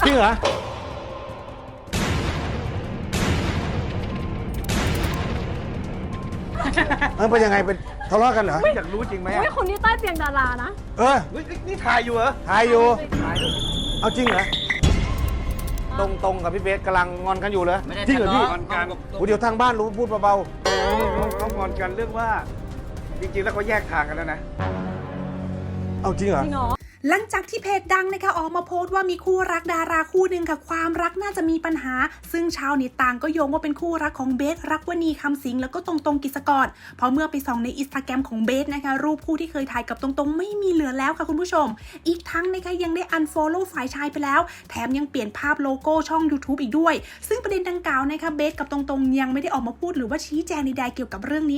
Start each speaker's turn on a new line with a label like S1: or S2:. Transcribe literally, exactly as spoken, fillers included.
S1: ริงเหรอเออเป็นยังไงเป็นทะเลาะกันเหรอ
S2: อยากรู้จริงไหม
S3: เฮ้ยคนนี้ใต้เตียงดารานะ
S1: เออ
S2: เฮ้ยนี่ถ่ายอยู่เหรอ
S1: ถ่ายอยู่
S2: ถ่ายอยู่
S1: เอาจริงเหรอตรงตรงกับพี่เบสกำลังงอนกันอยู่เลยจริงเหรอพี่
S2: งอนกัน
S1: โอ้เดี๋ยวทางบ้านรู้พูดเบา
S2: เขางอนกันเรื่องว่า จริงๆแล้วเขาแยกทางกันแล้วนะ
S1: ๆเอาจริงเหรอ
S3: จริงเหรอ
S4: หลังจากที่เพจดังนะคะออกมาโพสต์ว่ามีคู่รักดาราคู่หนึ่งค่ะความรักน่าจะมีปัญหาซึ่งชาวเน็ตต่างก็โยงว่าเป็นคู่รักของเบสรักวณีคำสิงแล้วก็ตรงตรงกิจกรเพราะเมื่อไปส่องในอินสตาแกรมของเบสนะคะรูปคู่ที่เคยถ่ายกับตรงตรงไม่มีเหลือแล้วค่ะคุณผู้ชมอีกทั้งนะคะยังได้ unfollow ฝ่ายชายไปแล้วแถมยังเปลี่ยนภาพโลโก้ช่อง YouTube อีกด้วยซึ่งประเด็นดังกล่าวนะคะเบสกับตรงตรงยังไม่ได้ออกมาพูดหรือว่าชี้แจงใดๆเกี่ยวกับเรื่องนี้